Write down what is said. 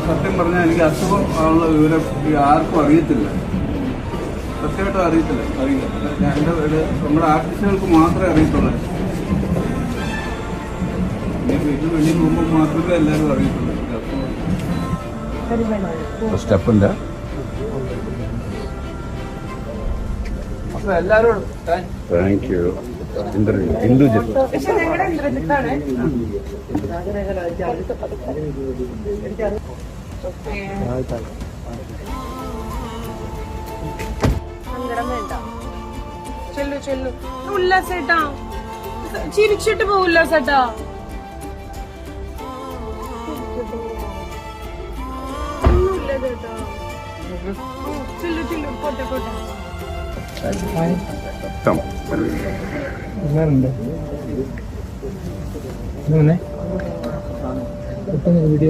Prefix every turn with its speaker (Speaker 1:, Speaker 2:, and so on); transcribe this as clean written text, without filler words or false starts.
Speaker 1: സത്യം പറഞ്ഞാൽ എനിക്ക് അസുഖം ഉള്ള വിവരം ആർക്കും അറിയത്തില്ല, സത്യമായിട്ടും അറിയില്ല. എൻ്റെ നമ്മുടെ ആർട്ടിസ്റ്റുകൾക്ക് മാത്രമേ അറിയത്തുള്ളൂ. വീട്ടിൽ വെളിയിൽ പോകുമ്പോൾ മാത്രമേ എല്ലാവരും അറിയത്തുള്ളൂ.
Speaker 2: സ്റ്റെപ്പിൻ്റെ
Speaker 1: അപ്പോൾ എല്ലാവരും
Speaker 2: താങ്ക് യു. ഹിന്ദുജൻ
Speaker 3: സങ്കടം വേണ്ട. ചെല്ലു ചെല്ലു. ഉല്ലാസേട്ടാ ചിരിച്ചിട്ട് പോ. ഉല്ലാസേട്ടാ ഒന്നുമില്ല ചേട്ടാ. ചെല്ലു ചെല്ലു. പോട്ടെ പോട്ടെ.
Speaker 4: വീഡിയോ